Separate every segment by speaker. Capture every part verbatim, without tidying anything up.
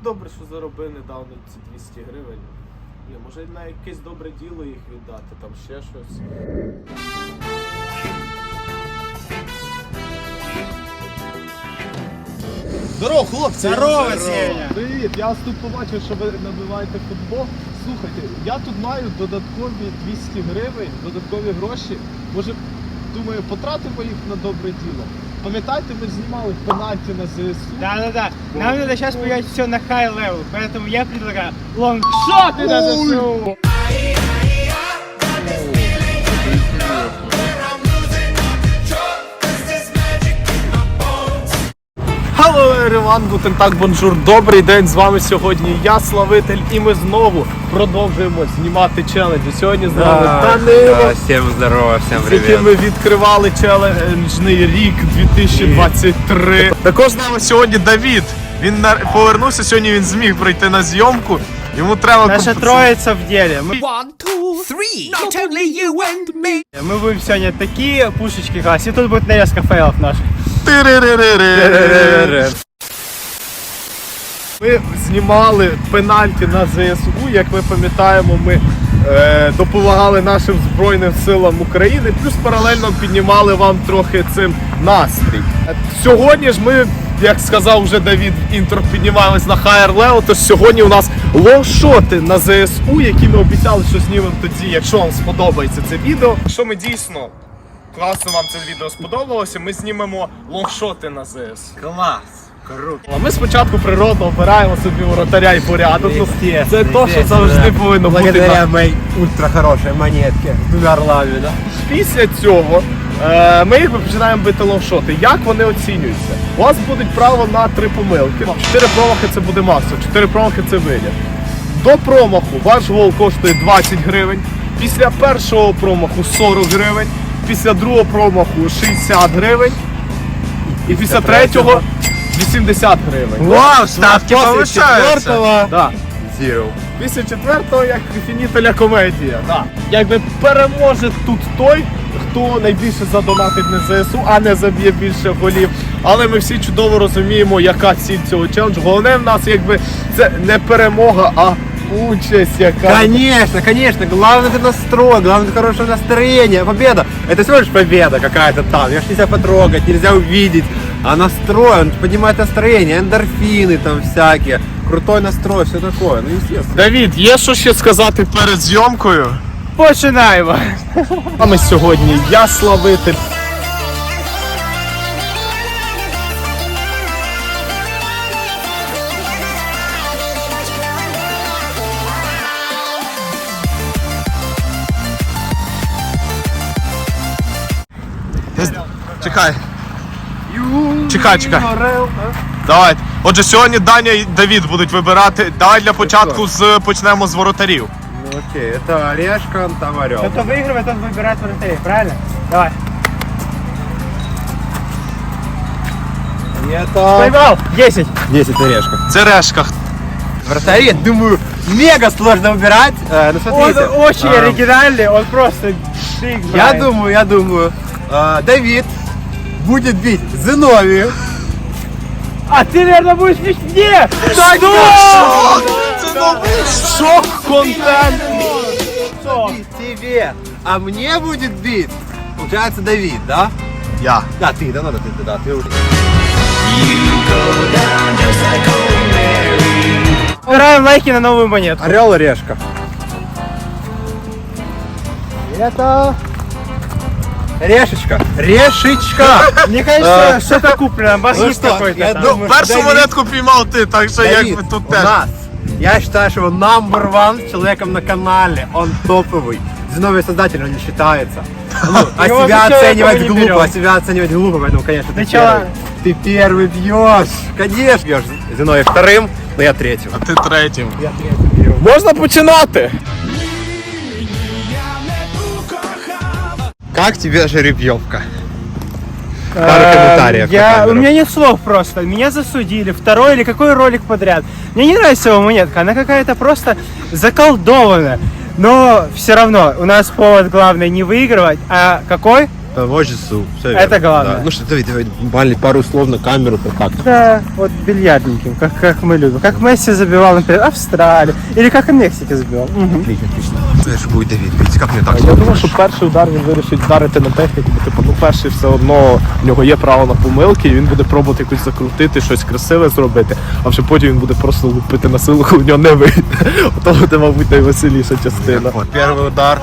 Speaker 1: добре, що заробив недавно ці двісті гривень. Блін, може на якесь добре діло їх віддати, там ще щось. Здорово, хлопці!
Speaker 2: Здорово, Сеня!
Speaker 1: Привіт! Я вас тут побачив, що ви набиваєте футбол. Слухайте, я тут маю додаткові двісті гривень, додаткові гроші. Може, думаю, потратимо їх на добре діло. Пам'ятаєте, ми знімали пенальті на ЗСУ?
Speaker 2: Да-да-да. Нам надо сейчас поменять все на high level, поэтому я предлагаю лонгшоты на ЗСУ.
Speaker 1: Hello everyone, guten Tag, bonjour, добрий день, з вами сьогодні я, Славитель, і ми знову продовжуємо знімати челенджі. Сьогодні з нами Данило,
Speaker 3: да, всім здорово, всім
Speaker 1: з
Speaker 3: привіт.
Speaker 1: яким ми відкривали челенджний рік дві тисячі двадцять три. Також з нами сьогодні Давід, він на- повернувся, сьогодні він зміг прийти на зйомку, йому треба...
Speaker 2: Наша
Speaker 1: компенсувати.
Speaker 2: троица в деле. Мы,
Speaker 4: One, two, three. Not only you and me.
Speaker 2: мы будем сегодня такие пушечки класть. И тут будет нарезка фейлов наших.
Speaker 1: Тири-ри-ри-ри-ри-ри. Ми знімали пенальті на ЗСУ, як ми пам'ятаємо, ми е, допомагали нашим Збройним силам України, плюс паралельно піднімали вам трохи цим настрій. Сьогодні ж ми, як сказав вже Давід, інтро, піднімаємось на higher level, тож сьогодні у нас лонгшоти на ЗСУ, які ми обіцяли, що знімемо тоді, якщо вам сподобається це відео. Якщо ми дійсно класно вам це відео сподобалося, ми знімемо лонгшоти на ЗСУ.
Speaker 3: Клас, круто.
Speaker 1: Ми спочатку природно обираємо собі воротаря і порядок. Ну, це
Speaker 3: Естественно,
Speaker 1: то, що завжди
Speaker 3: естественно.
Speaker 1: повинно бути.
Speaker 3: Благодаря
Speaker 1: на-
Speaker 3: моей ультра хорошей монетке с двумя орлами, да?
Speaker 1: Після цього е, ми їх починаємо бити лонгшоти. Як вони оцінюються? У вас буде право на три помилки. Чотири промахи це буде максимум, чотири промахи це виліт. До промаху ваш гол коштує двадцять гривень. Після першого промаху сорок гривень. Після другого промаху шістдесят гривень. І після третього вісімдесят гривень.
Speaker 3: Вау, ставки
Speaker 1: повишаються. Да.
Speaker 3: Zero.
Speaker 1: Після четвертого, як фінітеля комедія. Да. Якби переможе тут той, хто найбільше задонатить на ЗСУ, а не заб'є більше голів. Але ми всі чудово розуміємо, яка ціль цього челенджу. Головне в нас, якби, це не перемога, а участь яка.
Speaker 3: Конечно, конечно, главное это настрой, главное это хорошее настроение. Победа, это всего лишь победа какая-то там, ее ж нельзя потрогать, нельзя увидеть. А настрой, он поднимает настроение, эндорфины там всякие, крутой настрой, все такое, ну естественно.
Speaker 1: Давід, є що ще сказати перед зйомкою?
Speaker 2: Починаємо.
Speaker 1: А ми сьогодні я, Славитель. Чекай. Чекай, чекай. Давай. Отже, сьогодні Даня і Давід будуть вибирати. Давай для початку з, почнемо з воротарів.
Speaker 3: Ну окей, это орешка, там орел.
Speaker 2: Кто выигрывает, тот выбирает вратарей, правильно? Давай.
Speaker 3: Это
Speaker 2: Поймал. десять.
Speaker 3: десять орешка.
Speaker 1: Це решка.
Speaker 3: Вратари, думаю, мега сложно убирать. Э, ну
Speaker 2: Он
Speaker 3: смотрите.
Speaker 2: очень
Speaker 3: а,
Speaker 2: оригинальный, он просто шик
Speaker 3: Я
Speaker 2: знает.
Speaker 3: думаю, я думаю, э, Давид будет бить Зиновию.
Speaker 2: А ты, наверное, будешь бить мне!
Speaker 1: Так,
Speaker 2: Что?
Speaker 1: Це новий шок-контент.
Speaker 2: Что?
Speaker 3: Бить тебе, а мне будет бить, получается, Давид, да?
Speaker 1: Я.
Speaker 3: Да, ты, да, надо, ты, да, ты уже.
Speaker 2: Убираем лайки на новую монетку.
Speaker 3: Орел, орешка. Это... Решечка. Решечка.
Speaker 2: Мне кажется, что-то куплено,
Speaker 3: Ну
Speaker 2: басист
Speaker 3: что,
Speaker 2: какой-то.
Speaker 3: я
Speaker 2: там.
Speaker 3: думаю,
Speaker 1: Першу
Speaker 3: Давид-
Speaker 1: монетку піймав ти, так що
Speaker 3: Давид,
Speaker 1: якби тут
Speaker 3: у
Speaker 1: теж.
Speaker 3: нас, я считаю, что его number one человеком на канале, он топовый. Зиновий создатель, он не считается. Ну, а
Speaker 2: Его
Speaker 3: себя
Speaker 2: вообще
Speaker 3: оценивать
Speaker 2: никого не
Speaker 3: глупо,
Speaker 2: берем.
Speaker 3: а себя оценивать глупо, поэтому, конечно, ты
Speaker 2: Сначала-
Speaker 3: первый. Ты первый бьешь. Конечно, бьешь Зиновий вторым, но я третьим.
Speaker 1: А ти третім.
Speaker 3: Я третьим беру.
Speaker 1: Можна починати?
Speaker 3: Как тебе жеребьевка? Пару комментариев. на
Speaker 2: Я, у
Speaker 3: камеру.
Speaker 2: меня нет слов просто. Меня засудили. Второй или какой ролик подряд. Мне не нравится его монетка. Она какая-то просто заколдованная. Но все равно у нас повод главный не выигрывать. А какой?
Speaker 3: По часу. Все
Speaker 2: Это
Speaker 3: верно.
Speaker 2: главное.
Speaker 3: Да. Ну что, Давид, Давид, буквально пару слов на камеру, как так.
Speaker 2: Да, вот бильярдненьким, как, как мы любим. Как Месси забивал, например, Австралию. Или как в Мексике забивал. Мгм.
Speaker 3: Отлично, отлично. Знаешь, будет Давид, видите, как мне так?
Speaker 1: Я думаю, що перший удар він вирішить вдарити на техніку, бо типу, ну перший все одно в нього є право на помилки, і він буде пробувати якось закрутити, щось красиве зробити, а вже потім він буде просто лупити на силу, коли в нього не вийде. Ото буде, мабуть, найвеселіша частина.
Speaker 3: Вот, первый удар.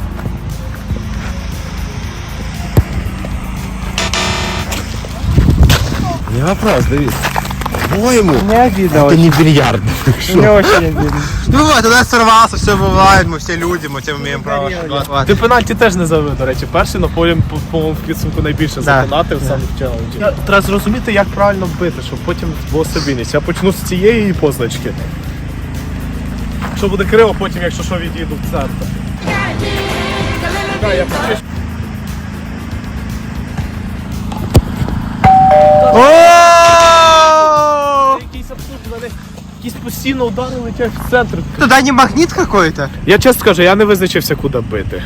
Speaker 3: Не вопрос, Давид. По-моему,
Speaker 2: Не обидно
Speaker 3: это
Speaker 2: очень.
Speaker 3: не бильярд.
Speaker 2: Мне очень обидно.
Speaker 3: Ну бывает, тогда сорвался, все бывает, мы все люди, мы тем имеем право ошибаться.
Speaker 1: Ти пенальті теж не забив, до речі, перший, але потім, по-моєму, в підсумку найбільше задонатив саме в челенджі. Треба зрозуміти, як правильно бити, щоб потім було стабільність. Я почну з цієї позначки. Що буде криво, потім, якщо що, відійду в центр. Так, я почищу. Якийсь абсурд, в мене якісь постійно удари летять в центр.
Speaker 2: Туда не магнит какой-то?
Speaker 1: Я чесно скажу, я не визначився, куди бити.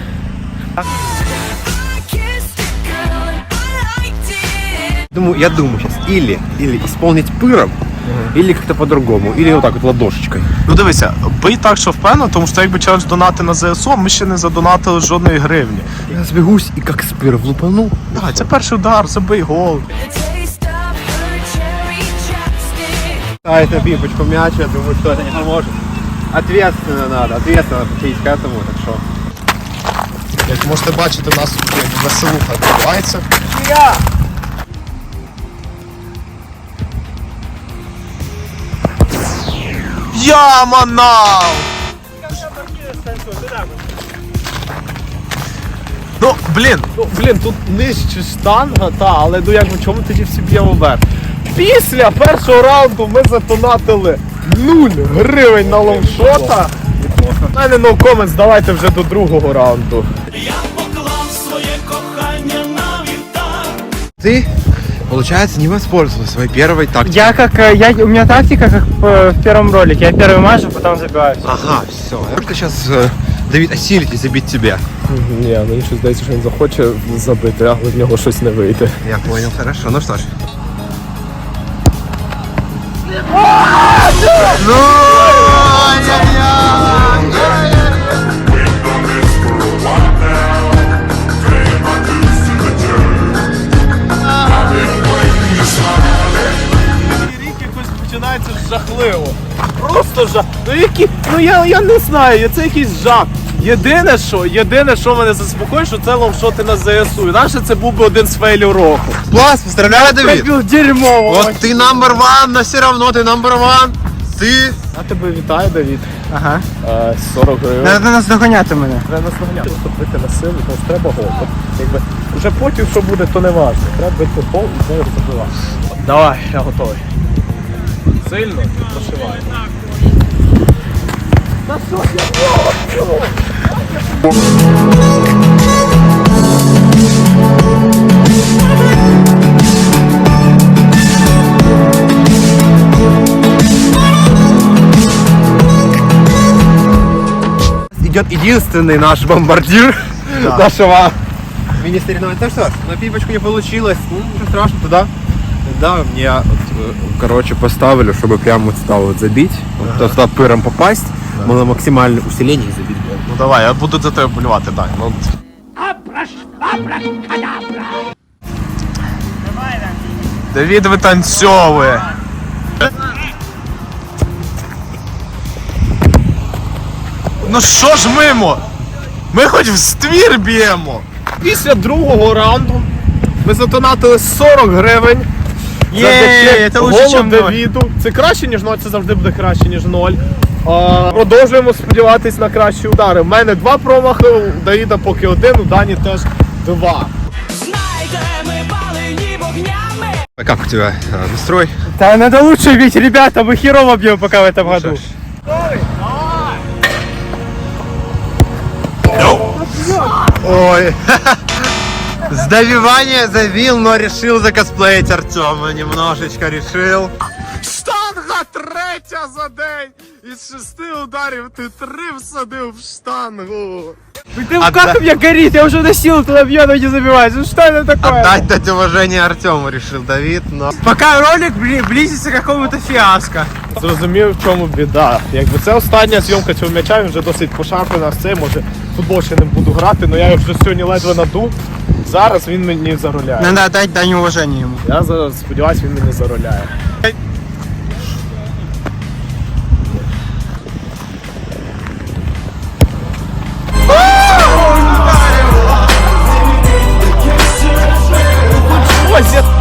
Speaker 3: Думаю, я думаю сейчас или, или исполнить пыром, или как-то по-другому, или вот так вот ладошечкой.
Speaker 1: Ну дивися, бий так, що впевнено, тому що якби челендж донати на ЗСУ, ми ще не задонатили жодної гривні.
Speaker 3: Я сбегусь и как с пыром лупану.
Speaker 1: Давай, це перший удар, забий гол.
Speaker 3: А это пипочку мяч, я думаю, что это не поможет. Ответственно надо, ответственно подходить к этому, так что.
Speaker 1: Як можете бачити, у нас тут веселуха відбувається. Я манав! Ну, блін, ну, блін, тут нижче штанга, та, але ну як в чому тоді всі б'ємо вверх? Після першого раунду ми затонатили нуль гривень на лонгшота. У мене no comments, давайте вже до другого раунду.
Speaker 3: Ты, получается, не воспользовался своей первой тактикой.
Speaker 2: Я как, э, я, у меня тактика, как в, в первом ролике. Я первый мажу, потом забиваю.
Speaker 3: Ага, все. Я просто сейчас, Давид, осилить и забить тебя.
Speaker 1: Ні, мені щось здається, що він захоче забити, але в нього щось не вийде.
Speaker 3: Я понял, хорошо. Ну что ж. Ну,
Speaker 1: Рік якось починається жахливо. Просто жах. Ну які, ну я, я не знаю, це якийсь жах. Єдине, що, єдине, що мене заспокоює, що це лонгшоти на ЗСУ. Інакше це був би один з фейлів року.
Speaker 3: класс, поздравляю, Давид.
Speaker 2: Пробил дерьмо.
Speaker 3: Вот ты number one, но все равно ты number one. Ты...
Speaker 1: Я тебе вітаю, Давід.
Speaker 2: Ага.
Speaker 1: Е, сорок гривень.
Speaker 2: Надо нас доганяти мене.
Speaker 1: Треба нас наганяти, просто бити на силу, тому треба гол. От, якби, вже потім, що буде, то не важливо. Треба бити гол і знову забивати. Давай, я готовий. Сильно і прошивай.
Speaker 3: Идет единственный наш бомбардир нашего мини-соревнования. Ну что ж, на пипочку не получилось. Ну, ничего страшного, туда. Да, мне, вот, э, короче, поставили, чтобы прям вот стал вот забить, вот, туда пыром попасть, было максимальное усиление и забить гол.
Speaker 1: Ну давай, я буду за тебе болювати, дай. Ну. Давід витанцьовує. Ну що ж мимо? Ми хоч в ствір б'ємо. Після другого раунду ми затонатили сорок гривень.
Speaker 2: Є, це лучше,
Speaker 1: голу
Speaker 2: чим ноль.
Speaker 1: Давіду. Це краще, ніж ноль, це завжди буде краще, ніж ноль. А, продовжуємо сподіватись на кращі удари. У мене два промахи, у Давіда поки один, у Дані теж два.
Speaker 3: А как у тебя э, настрой?
Speaker 2: Да надо лучше бить, ребята, мы херово бьем пока в этом году.
Speaker 3: Ой. Сдавивание завил, но решил закосплеить Артема. Немножечко решил.
Speaker 4: Stop!
Speaker 1: Штанга третя за день! Із шести ударів ти три всадив в штангу!
Speaker 2: Ты как у меня горит, я уже на силу туда бью, но не забиваюсь. Ну что это такое?
Speaker 3: Отдать дать уважение Артему решил Давид, но...
Speaker 2: Пока ролик бли- близится к какому-то фиаско.
Speaker 1: Зрозумів, в чому біда. Якби це остання зйомка цього м'яча, він вже досить пошарпаний на це, може в футбол ще не буду грати, але я його вже сьогодні ледве надув. Зараз він мені зароляє.
Speaker 2: Надо отдать дань уважения ему.
Speaker 1: Я зараз сподіваюся, він мені зароляє. Ось я-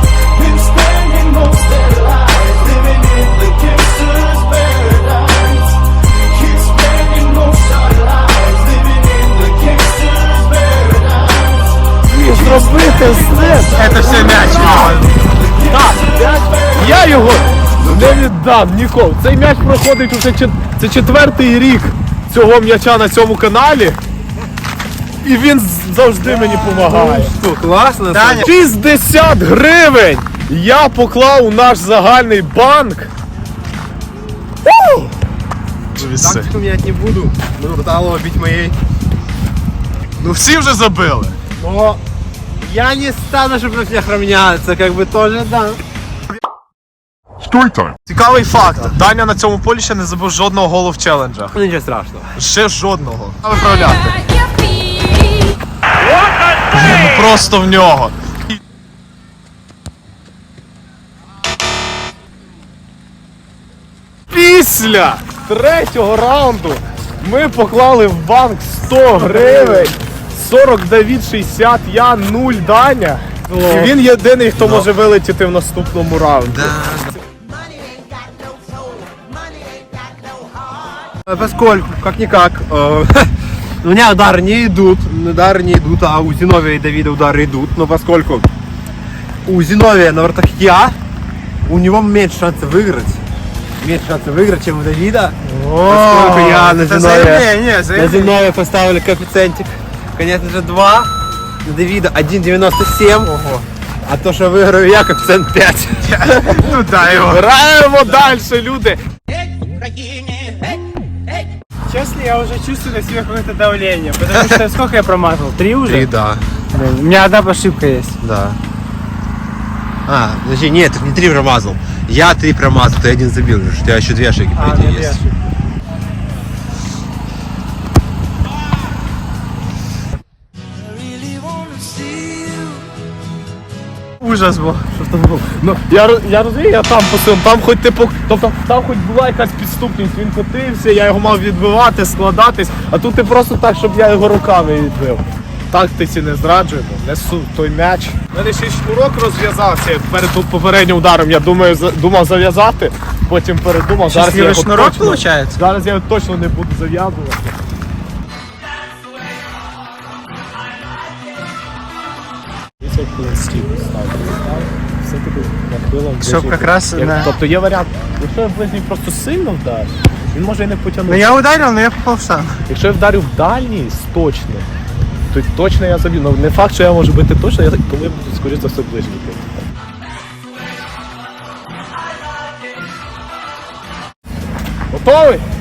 Speaker 1: Зробити з ним.
Speaker 2: Это все мяч.
Speaker 1: Так, м'яч. Я його не віддам ніколи. Цей м'яч проходить уже чет- це четвертий рік цього м'яча на цьому каналі. І він з- завжди мені допомагає.
Speaker 3: Что, классно?
Speaker 2: Даня.
Speaker 1: шістдесят гривень я поклав у наш загальний банк. У!
Speaker 3: Тактику менять не буду. Буду Талова бить моей.
Speaker 1: Ну всі вже забили.
Speaker 3: Но я не стану, чтобы на всех равняться, как бы тоже, да.
Speaker 1: Цікавий факт. Даня на цьому полі ще не забив жодного голу в челенджах.
Speaker 3: Ну, ничего страшного.
Speaker 1: Ще жодного. А виправляти. Ну просто в нього. Після третього раунду ми поклали в банк сто гривень. сорок Давід, шістдесят я, нуль Даня. І він єдиний, хто може вилетіти в наступному раунді.
Speaker 3: Э, Поскольку, как-никак, э, у меня удары не идут, удары не идут, а у Зиновия и Давида удары идут, но поскольку у Зиновия на воротах я, у него меньше шансов выиграть, меньше шансов выиграть, чем у Давида, поскольку я на
Speaker 2: Это
Speaker 3: Зиновия,
Speaker 2: заявление,
Speaker 3: на
Speaker 2: заявление.
Speaker 3: Зиновия поставили коэффициентик, конечно же, два, на Давида один девяносто семь, а то, что выиграю я, коэффициент пять.
Speaker 1: Ну дай його. Граємо далі, люди.
Speaker 2: Честно, я уже чувствую на себе какое-то давление. Потому что сколько я промазал? Три уже?
Speaker 3: да.
Speaker 2: Блин, у меня одна ошибка есть.
Speaker 3: Да. А, подожди, нет, ты не три промазал. Я три промазал, ты один забил. У тебя еще две ошибки
Speaker 2: А,
Speaker 3: впереди
Speaker 2: ну, две
Speaker 3: есть.
Speaker 2: ошибки.
Speaker 1: Ужас був. Що це було? Ну, я, роз- я розумію, я там посилив, там хоч типу, тобто там хоч була якась підступність, він котився, я його мав відбивати, складатись, а тут ти просто так, щоб я його руками відбив. Тактиці не зраджуємо, несу той м'яч. У мене ще й шнурок розв'язався перед попереднім ударом, я думаю, за- думав зав'язати, потім передумав, зараз я
Speaker 2: Счастливый
Speaker 1: його
Speaker 2: шнурок
Speaker 1: точно,
Speaker 2: получается?
Speaker 1: зараз я його точно не буду зав'язувати. Все-таки нахилом.
Speaker 2: Чтоб
Speaker 1: ближній.
Speaker 2: как раз
Speaker 1: Як-
Speaker 2: на-
Speaker 1: Тобто є варіант, якщо я в ближній просто сильно вдарю, він може і не потягнути.
Speaker 2: Ну я ударил, но я попал в штангу.
Speaker 1: Якщо я вдарю в дальній з точним, то точно я заб'ю. Ну не факт, що я можу бити точно, я коли буду скоріше за все ближній бити. Готовий?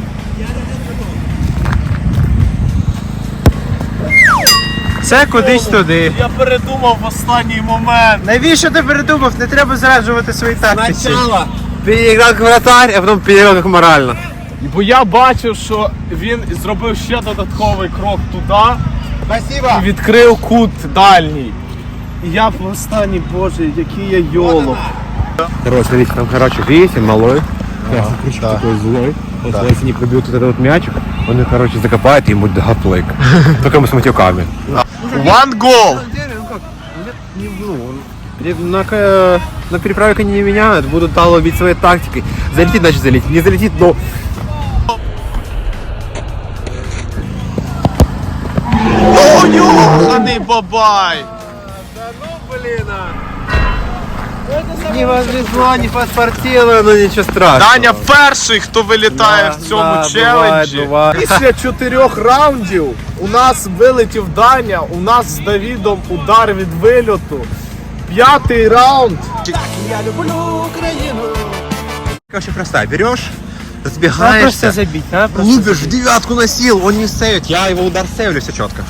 Speaker 2: Це кудись туди.
Speaker 1: Я передумав в останній момент.
Speaker 2: Навіщо ти передумав? Не треба зраджувати свої тактиці.
Speaker 3: Сначала переиграл как вратарь, а потом переиграл как морально.
Speaker 1: Бо я бачив, що він зробив ще додатковий крок туди
Speaker 3: Спасибо.
Speaker 1: і відкрив кут дальній. І я в останній, боже, який я йолоп.
Speaker 3: Короче, смотрите, там, короче, видите, малой. Красный крючок такой злой. Вот если не пробьет вот этот вот мячик, он, короче, закопает и ему гаплык. Только мы с матюками.
Speaker 1: One goal!
Speaker 3: На, к- на переправе они не меняют, будут Талова бить своей тактикой. Залетит, значит залетит. Не залетит, но...
Speaker 1: О, йоханий бабай!
Speaker 3: Не повезло, не подспортило, но ничего страшного.
Speaker 1: Даня перший, хто вилітає в цьому
Speaker 3: да,
Speaker 1: челенджі.
Speaker 3: буває, буває.
Speaker 1: Після чотирьох раундів у нас вилетів Даня, у нас з Давідом удар від вильоту. П'ятий раунд.
Speaker 4: Я люблю Україну.
Speaker 3: Очень простая. Берешь,
Speaker 2: Надо
Speaker 3: разбегаешься,
Speaker 2: просто забить, надо просто
Speaker 3: лупишь, в
Speaker 2: забить.
Speaker 3: девятку носил, он не сейвит. Я его удар сейвлю, все четко.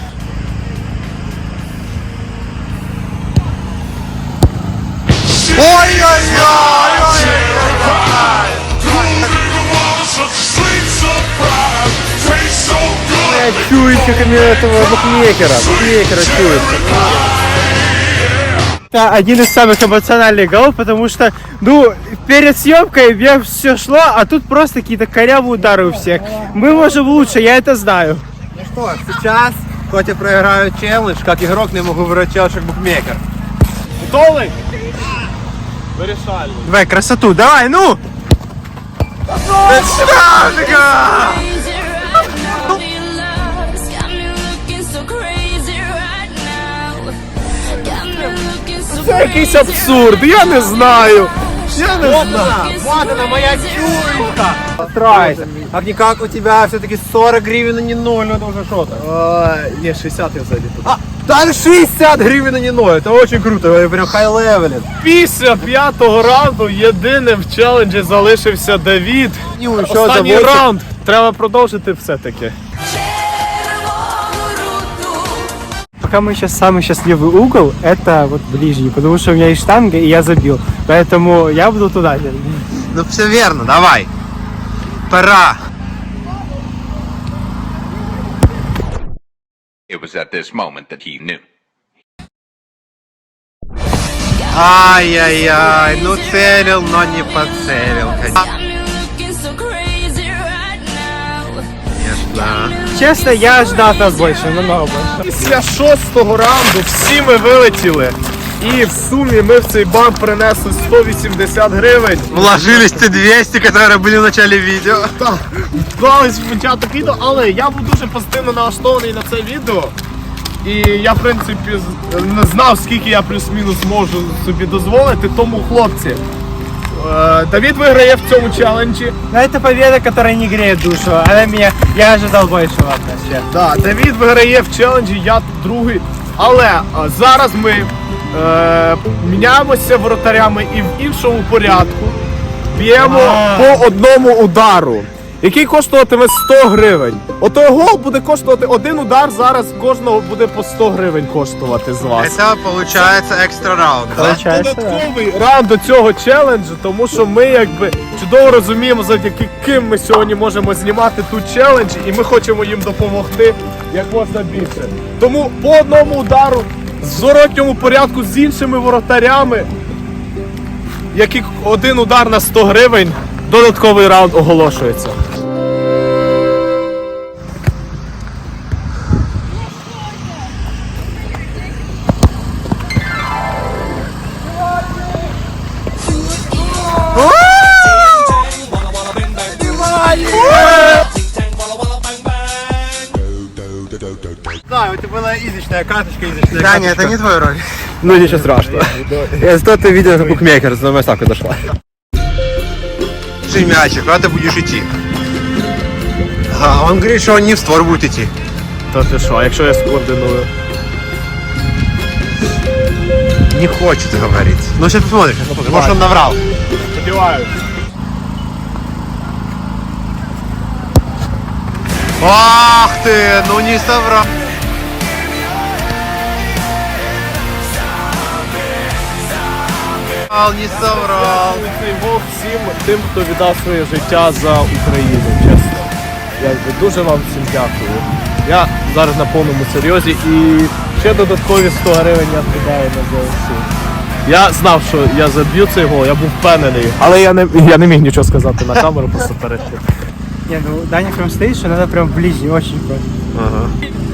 Speaker 3: Я чую, как мне этого букмекера, букмекера чует.
Speaker 2: Это один из самых эмоциональных голов, потому что, ну, перед съемкой мне все шло, а тут просто какие-то корявые удары у всех. Мы можем лучше, я это знаю.
Speaker 3: Ну что, сейчас, хоть и проиграю челлендж, как игрок не могу вырвать челлендж как букмекер.
Speaker 1: Готовий? Вирішальний.
Speaker 2: Давай, красоту, давай, ну!
Speaker 1: Це якийсь абсурд, я не знаю. Я не знаю.
Speaker 3: Вот она, моя чуйка. Старайся. Как-никак у тебя все-таки сорок гривен, а не ноль, ну это уже что-то.
Speaker 1: А, ні, шістдесят я взагалі тут.
Speaker 3: А, даже шестьдесят гривен, а не ноль, это очень круто, прям хай-левелит.
Speaker 1: Після п'ятого раунду єдиним в челенджі залишився Давід.
Speaker 3: Ну, що
Speaker 1: Останній
Speaker 3: за восемь?
Speaker 1: раунд. Треба продовжити все-таки.
Speaker 2: Пока мы сейчас самый счастливый угол, это вот ближний, потому что у меня есть штанга, и я забил. Поэтому я буду туда.
Speaker 3: Ну все верно, давай. Пора.
Speaker 5: It was at this moment that he knew.
Speaker 3: Ай-яй-яй, ну целил, но не поцелил, конечно.
Speaker 2: Честно, я ждал от нас больше, намного больше.
Speaker 1: Після шостого раунду всі ми вилетіли. І в сумі ми в цей банк принесли сто вісімдесят гривень.
Speaker 3: Вложились те двести, которые были в начале видео.
Speaker 1: Так, вклались в початок відео, але я був дуже позитивно налаштований на це відео. І я, в принципі, з- не знав, скільки я плюс-мінус можу собі дозволити. Тому, хлопці, е, Давід виграє в цьому челенджі.
Speaker 2: Но это победа, которая не греет душу. Она меня, я ожидал большего от нас, честно.
Speaker 1: Да, Давід виграє в челенджі, я тут другий. Але е, зараз ми е, міняємося воротарями і в іншому порядку б'ємо
Speaker 2: А.
Speaker 1: по одному удару, який коштуватиме сто гривень. Отой гол буде коштувати, один удар зараз кожного буде по сто гривень коштувати з вас.
Speaker 3: Это получается экстра раунд, да?
Speaker 2: Получается, да.
Speaker 1: Додатковий раунд до цього челенджу, тому що ми якби чудово розуміємо, завдяки ким ми сьогодні можемо знімати тут челендж, і ми хочемо їм допомогти як можна більше. Тому по одному удару в зворотньому порядку з іншими воротарями, який один удар на сто гривень, додатковий раунд оголошується.
Speaker 3: Да, это была изичная карточка, изичная
Speaker 2: Да,
Speaker 3: карточка.
Speaker 2: это не твой роль.
Speaker 3: Ну ничего страшного. Я зато ты видел, как букмекер за мою ставку зашла. Держи мячик, куда ты будешь идти? А он говорит, что он не в створ будет идти.
Speaker 1: Та ти що, а якщо я скоординую?
Speaker 3: Не хочет говорить. Ну сейчас посмотрим, сейчас посмотрим. Может он наврал.
Speaker 1: Сподіваюсь.
Speaker 3: Ах ты, ну не соврал. Не соврал.
Speaker 1: Цей гол всім тим, хто віддав своє життя за Україну, чесно. Я дуже вам всім дякую. Я зараз на повному серйозі і ще додаткові сто гривень я скидаю на ЗСУ. Я знав, що я заб'ю цей гол, я був впевнений, але я не, я не міг нічого сказати на камеру просто перед тим.
Speaker 2: Не, ну Даня прям стоит, что надо прям ближний, очень просто.
Speaker 3: Ага.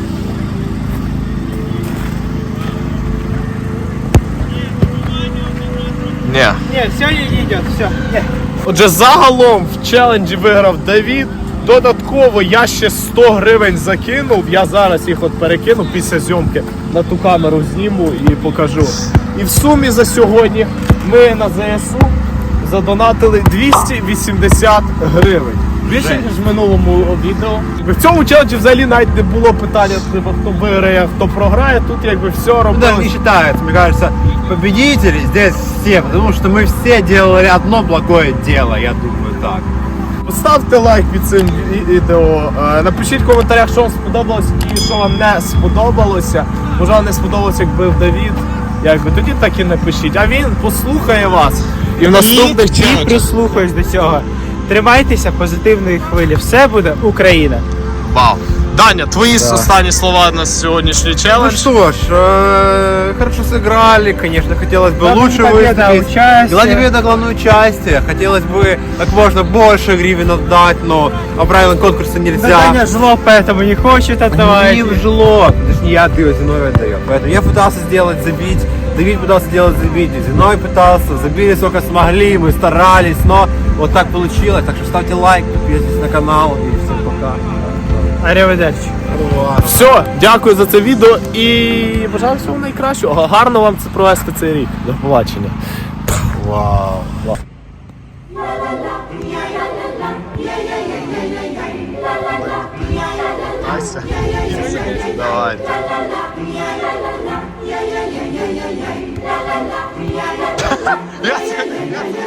Speaker 3: Не.
Speaker 2: Нет, все не идет, все. Нет.
Speaker 1: Отже, загалом в челенджі виграв Давід. Додатково я ще сто гривень закинув. Я зараз їх от перекину після зйомки на ту камеру зніму і покажу. І в сумі за сьогодні ми на ЗСУ задонатили двісті вісімдесят гривень. Більше,
Speaker 3: Жесть.
Speaker 1: ніж в минулому відео. В цьому челенджі взагалі навіть не було питання, типу, хто виграє, хто програє. Тут якби все
Speaker 3: Ну, даже не
Speaker 1: робилось.
Speaker 3: считается, мне кажется, победители здесь все, потому что мы все делали одно благое дело, я думаю так.
Speaker 1: Ставте лайк під цим ві- відео. Е, Напишіть в коментарях, що вам сподобалось і що вам не сподобалося. Може вам не сподобалося, як бив Давід. Якби тоді так і напишіть. А він послухає вас. І в наступних
Speaker 2: І, і
Speaker 1: челенджах.
Speaker 2: прислухаюсь до цього. Тримайтеся позитивної хвилі. Все буде Україна.
Speaker 1: Вау. Даня, твої останні слова на сьогоднішній
Speaker 3: Ну
Speaker 1: челендж.
Speaker 3: что ж, э, хорошо сыграли, конечно, хотелось бы
Speaker 2: Главное
Speaker 3: лучше
Speaker 2: не победа, а
Speaker 3: выступить.
Speaker 2: участие.
Speaker 3: Главное победа, главное участие. Хотелось бы как можно больше гривен отдать, но по правилам конкурса нельзя.
Speaker 2: Даня жлоб, поэтому не хочет отдавать.
Speaker 3: Не в жлоб, это ж не я отдаю, Зиновий отдает. Поэтому я пытался сделать забить, Давид пытался сделать забить, Зиновий пытался, забили сколько смогли, мы старались, но вот так получилось. Так что ставьте лайк, подписывайтесь на канал и всем пока.
Speaker 2: Аріведерчі.
Speaker 1: Все, дякую за це відео і бажаю всього найкращого. Гарно вам це провести цей рік. До побачення. Вау. Вау. Давайте. Я це- я це-